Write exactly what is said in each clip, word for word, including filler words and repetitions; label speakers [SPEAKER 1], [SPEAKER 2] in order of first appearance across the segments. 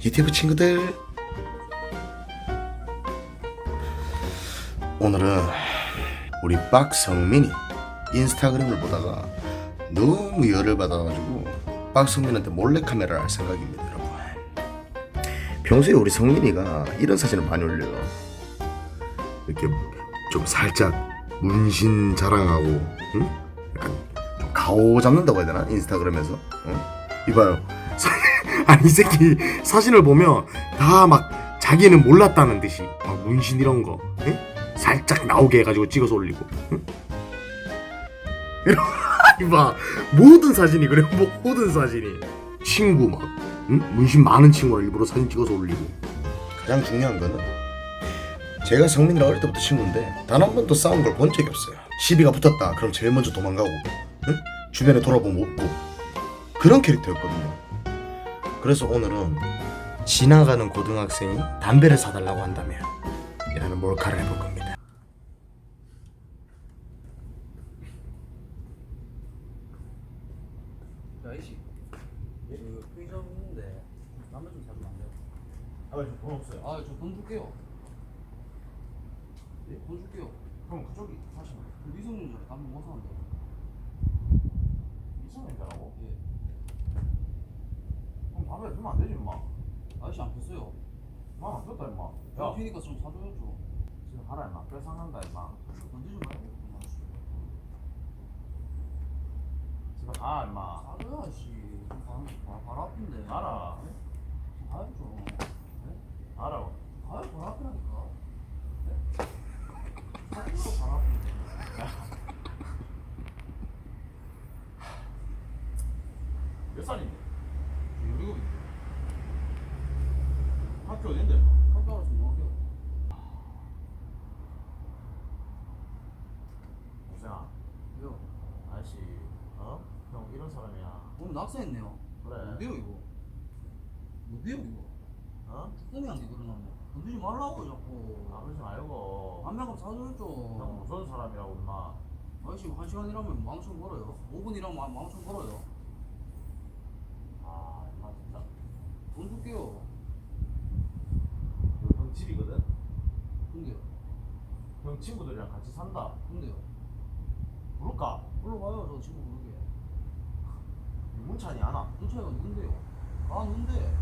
[SPEAKER 1] 유튜브 친구들, 오늘은 우리 박성민이 인스타그램을 보다가 너무 열을 받아가지고 박성민한테 몰래카메라를 할 생각입니다. 여러분, 평소에 우리 성민이가 이런 사진을 많이 올려요. 이렇게 좀 살짝 문신 자랑하고, 응? 약간 좀 가오 잡는다고 해야 되나? 인스타그램에서. 응? 이봐요. 아니, 이 새끼 사진을 보면 다 막 자기는 몰랐다는 듯이 막 문신 이런 거, 응? 살짝 나오게 해가지고 찍어서 올리고, 응? 이봐, 모든 사진이 그래. 모든 사진이 친구 막, 응? 문신 많은 친구를 일부러 사진 찍어서 올리고. 가장 중요한 거는 제가 성민이랑 어릴 때부터 친구인데 단 한 번도 싸운 걸 본 적이 없어요. 시비가 붙었다 그럼 제일 먼저 도망가고, 응? 주변에 돌아보면 없고, 그런 캐릭터였거든요. 그래서 오늘은 지나가는 고등학생이 담배를 사달라고 한다면 이라는 몰카를 해볼 겁니다.
[SPEAKER 2] 야 이씨, 그 편의점 있는데 담배 좀 사주면 안 돼요?
[SPEAKER 1] 아, 저 돈 없어요.
[SPEAKER 2] 아, 저 돈 줄게요.
[SPEAKER 1] 예?
[SPEAKER 2] 돈 줄게요.
[SPEAKER 1] 그럼 그쪽이 사시면
[SPEAKER 2] 그 미성년자를 담배 못 사는데.
[SPEAKER 1] 미성년자라고?
[SPEAKER 2] 예.
[SPEAKER 1] 그럼 담배 주면 안 되지, 임마.
[SPEAKER 2] 아저씨 안 폈어요.
[SPEAKER 1] 나안 폈다, 임마.
[SPEAKER 2] 야, 피니까 좀 사줘야죠.
[SPEAKER 1] 지금 가라, 임마. 뺏어간다, 임마.
[SPEAKER 2] 건드지 말고 그만.
[SPEAKER 1] 집에 가, 임마.
[SPEAKER 2] 사줘야 아저씨. 좀 바, 바, 발 아픈데.
[SPEAKER 1] 가라.
[SPEAKER 2] 네? 가야죠. 네?
[SPEAKER 1] 가라고.
[SPEAKER 2] 가야 발 아프라니까. 네? 사줘야 발 아픈데.
[SPEAKER 1] 몇 살인데?
[SPEAKER 2] 열일곱인데.
[SPEAKER 1] 학교 어딘데?
[SPEAKER 2] 학교 알아서 뭐 할게요.
[SPEAKER 1] 동생아,
[SPEAKER 2] 왜요?
[SPEAKER 1] 아저씨, 어? 형 이런 사람이야.
[SPEAKER 2] 오늘 낙서했네요.
[SPEAKER 1] 그래.
[SPEAKER 2] 뭔데요 이거? 뭔데요 이거?
[SPEAKER 1] 어?
[SPEAKER 2] 쭈꾸미한테 그러나면 건드지 말라고 자꾸.
[SPEAKER 1] 아, 그러지 말고.
[SPEAKER 2] 안면감
[SPEAKER 1] 형
[SPEAKER 2] 사줘야죠.
[SPEAKER 1] 무서운 사람이라고, 임마.
[SPEAKER 2] 아저씨 한 시간 일하면 만 오천 벌어요. 오 분 일하면 만 오천 벌어요.
[SPEAKER 1] 아, 임마, 진짜.
[SPEAKER 2] 돈 줄게요.
[SPEAKER 1] 형 집이거든?
[SPEAKER 2] 근데요.
[SPEAKER 1] 형 친구들이랑 같이 산다.
[SPEAKER 2] 근데요.
[SPEAKER 1] 부를까?
[SPEAKER 2] 불러봐요 저 친구 부르게.
[SPEAKER 1] 문찬이 안 와.
[SPEAKER 2] 문차이가 누군데요? 아 누군데?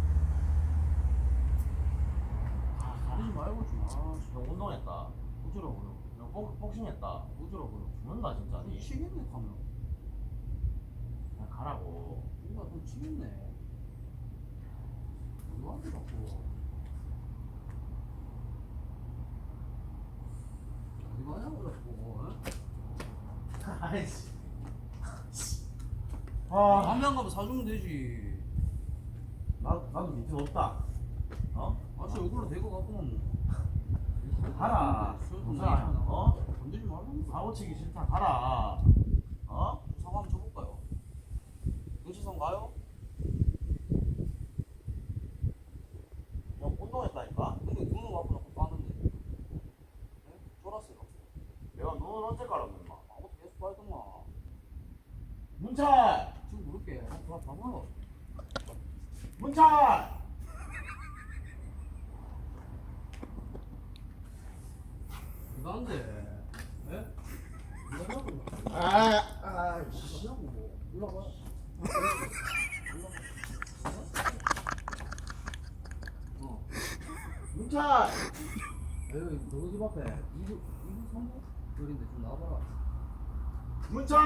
[SPEAKER 2] 건드지 말고 좀. 아씨.
[SPEAKER 1] 형 운동했다.
[SPEAKER 2] 어쩌라고요?
[SPEAKER 1] 형 복, 복싱했다.
[SPEAKER 2] 어쩌라고요?
[SPEAKER 1] 죽는다, 진짜.
[SPEAKER 2] 좀
[SPEAKER 1] 니.
[SPEAKER 2] 치겠네 가면.
[SPEAKER 1] 그냥 가라고.
[SPEAKER 2] 누가 좀 치겠네. 누구한테 자꾸. 어디 가냐고 자꾸. 어?
[SPEAKER 1] 아이씨.
[SPEAKER 2] 아, 담배 한 가면 사주면 되지.
[SPEAKER 1] 나, 나도 밑에 없다. 어?
[SPEAKER 2] 아씨 얼굴로 대고 갖고는
[SPEAKER 1] 가라. 동생아, 어?
[SPEAKER 2] 건들지 말라고.
[SPEAKER 1] 사고 치기 싫다. 가라. 어?
[SPEAKER 2] 사과 한번 쳐볼까요? 경찰서 가요?
[SPEAKER 1] 형 운동했다니까?
[SPEAKER 2] 근데 눈을 와서 자꾸 까는데. 네? 쫄았어요.
[SPEAKER 1] 내가 눈을 언제 깔았노, 임마?
[SPEAKER 2] 아무것도 계속 빨더만.
[SPEAKER 1] 문찬!
[SPEAKER 2] 지금 부를게. 봐, 봐봐요.
[SPEAKER 1] 문찬!
[SPEAKER 2] 이거 안 돼. 예? 이거 하라고.
[SPEAKER 1] 아, 아,
[SPEAKER 2] 이거 하라고 뭐. 올라가. 어.
[SPEAKER 1] 문찬!
[SPEAKER 2] 여기 너희 집 앞에 이부 이부 삼부 거리인데 좀 나와봐라.
[SPEAKER 1] 문찬!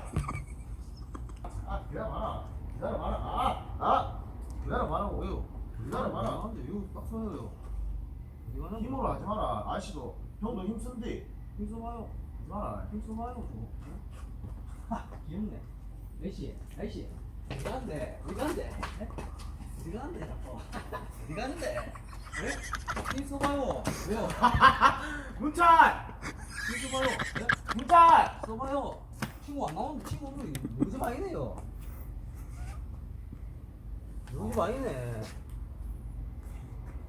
[SPEAKER 1] 아, 기다려봐라. 기다려봐라. 아, 아! 기다려봐라고.
[SPEAKER 2] 왜요?
[SPEAKER 1] 기다려봐라.
[SPEAKER 2] 안돼 이거 딱 서요. 어디 가냐?
[SPEAKER 1] 힘으로 하지 마라. 아저씨도. 형도 힘쓴디.
[SPEAKER 2] 힘써봐요.
[SPEAKER 1] 하지 마라.
[SPEAKER 2] 힘써봐요 좀. 하 귀엽네. 아이씨 아이씨 어디 가는데 어디 가는데 어디 가는데 자꾸 어디 가는데? 네? 힘써봐요. 왜요?
[SPEAKER 1] 문찬!
[SPEAKER 2] 힘써봐요. 네?
[SPEAKER 1] 문찬!
[SPEAKER 2] 써봐요. 친구 안 나오는데 친구 오늘 우리 집 아니네요. 우리 집 아니네.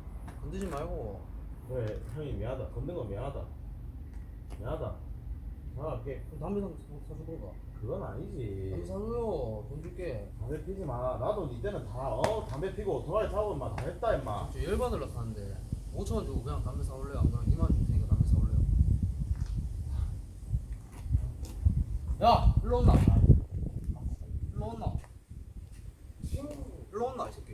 [SPEAKER 2] 건드지 말고.
[SPEAKER 1] 그래, 형이 미안하다. 건든 거 미안하다. 미안하다.
[SPEAKER 3] 전화할게.
[SPEAKER 2] 그럼 담배 사- 사주던가.
[SPEAKER 3] 그건 아니지.
[SPEAKER 2] 담배 사줘요. 돈 줄게.
[SPEAKER 3] 담배 피지 마. 나도 이때는 다 어 담배 피고 오토바이 타고 인마 다 했다 임마.
[SPEAKER 2] 저 열받으려 사는데 오천 원 주고 그냥 담배 사올래요? 안 그러면 이만 원 줄 테니까 담배 사올래요? 야! 일로 온나? 일로 온나? 일로 온나 이 새끼.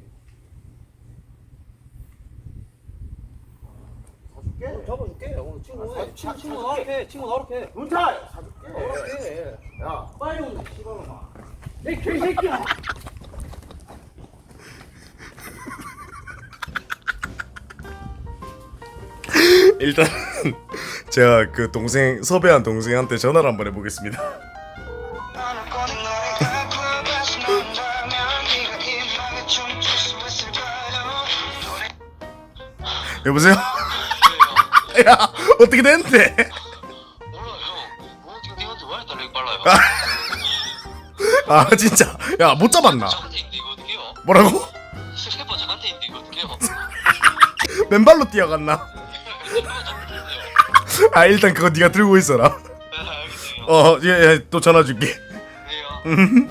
[SPEAKER 3] 사줄게.
[SPEAKER 2] 오늘 잡아줄게. 오늘 친구
[SPEAKER 3] 아,
[SPEAKER 2] 오늘
[SPEAKER 3] 사-
[SPEAKER 2] 친구
[SPEAKER 3] 사-
[SPEAKER 2] 친구
[SPEAKER 3] 사줄게.
[SPEAKER 2] 나오게 친구 나오게.
[SPEAKER 3] 문차 사줄게.
[SPEAKER 2] 나오게.
[SPEAKER 3] 야
[SPEAKER 2] 빨리 오늘 씨발놈아. 내 개새끼야.
[SPEAKER 4] 일단 제가 그 동생 섭외한 동생한테 전화를 한번 해보겠습니다. 여보세요? 야 어떻게 됐는데?
[SPEAKER 5] 몰라 형. 오늘 지금 님한테 왜 달리기 빨라요?
[SPEAKER 4] 아 진짜 야 못 잡았나?
[SPEAKER 5] 저한테 있는데 이거 어떡해요?
[SPEAKER 4] 뭐라고?
[SPEAKER 5] 스케퍼 저한테 있는데 이거 어떡해요?
[SPEAKER 4] 맨발로 뛰어갔나? 아 일단 그거 네가 들고 있어라.
[SPEAKER 5] 알겠어요.
[SPEAKER 4] 어예또 전화 줄게.
[SPEAKER 5] 네요.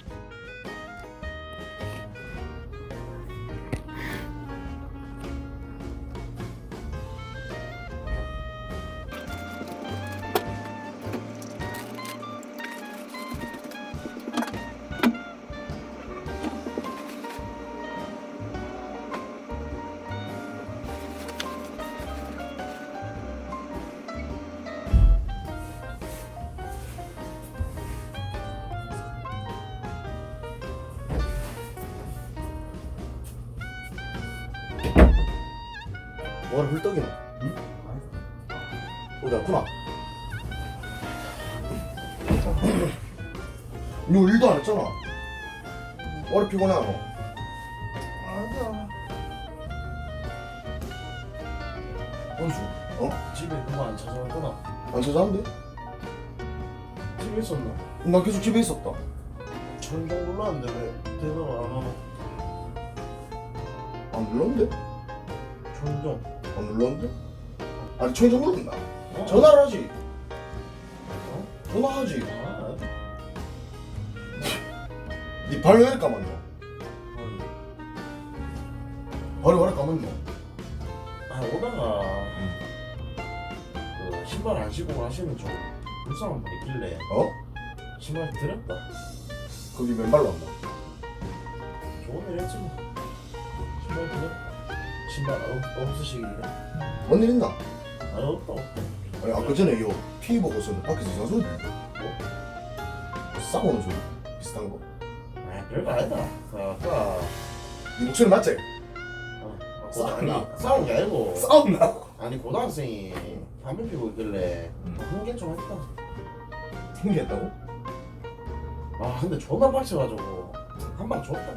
[SPEAKER 1] 뭐를 hul떡이노? 응? 어디 왔구나. 너 일도 안 했잖아. 머리 피곤해 너. 아니야. 원수, 어?
[SPEAKER 3] 집에 그만 안 찾아왔구나.
[SPEAKER 1] 안 찾아왔는데?
[SPEAKER 3] 집에 있었나?
[SPEAKER 1] 나 계속 집에 있었다.
[SPEAKER 3] 전종 몰랐는데 왜 대답을 안 하나?
[SPEAKER 1] 안 눌렀는데?
[SPEAKER 3] 전종.
[SPEAKER 1] 안 눌렀는데? 아니 청정 누른다.
[SPEAKER 3] 어?
[SPEAKER 1] 전화를 하지.
[SPEAKER 3] 어?
[SPEAKER 1] 전화하지.
[SPEAKER 3] 아,
[SPEAKER 1] 니 발 왜 이렇게 까만노?
[SPEAKER 3] 아니.
[SPEAKER 1] 발이 왜 이렇게 까만노?
[SPEAKER 3] 아 오다가 그 신발 안 신고 가시는 좀 불쌍한 분 있길래
[SPEAKER 1] 어?
[SPEAKER 3] 신발 드렸다.
[SPEAKER 1] 거기 맨발로 왔나?
[SPEAKER 3] 좋은 일 했지 뭐. 신발 드렸다. 신발 없, 없으시길래
[SPEAKER 1] 뭔 일 있나?
[SPEAKER 3] 아 없다 없다.
[SPEAKER 1] 아니 아까 전에 요 티 보고서는 밖에서 이상 소리 들리고
[SPEAKER 3] 뭐?
[SPEAKER 1] 싸우는 소리 비슷한 거.
[SPEAKER 3] 아 별거 아니다. 그 아까
[SPEAKER 1] 니 목소리 맞지?
[SPEAKER 3] 어, 아,
[SPEAKER 1] 싸웠나?
[SPEAKER 3] 아니 싸운 게 아니고
[SPEAKER 1] 싸웠나?
[SPEAKER 3] 아니 고등학생이 담배 피고 있길래 흥분 좀 했다.
[SPEAKER 1] 생겼다고?
[SPEAKER 3] 아 근데 존나 빡쳐가지고 한 방 줬다.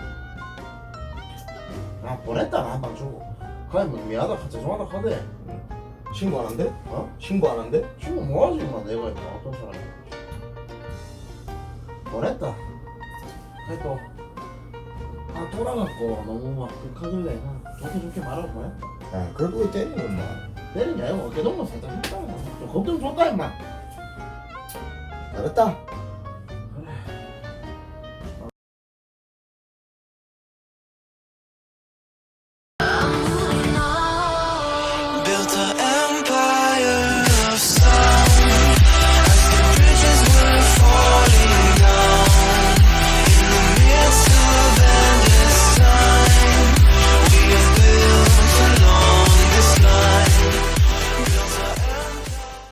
[SPEAKER 3] 아 보냈다 한 방 주고. 그냥 뭐 미안하다 카 죄송하다 카대.
[SPEAKER 1] 신고 안 한대?
[SPEAKER 3] 어?
[SPEAKER 1] 신고 안 한대?
[SPEAKER 3] 지금 뭐하지 임마 내가 임마 어떤 사람이. 보냈다. 그래 또. 아 돌아갔고 너무 막 극하길래 아, 좋게 좋게 말하고 보냈다.
[SPEAKER 1] 야 그래도 왜 때리는 엄마.
[SPEAKER 3] 때린 게 아니고 어깨동무 살짝 했다. 좀 겁 좀 줬다 임마.
[SPEAKER 1] 잘했다.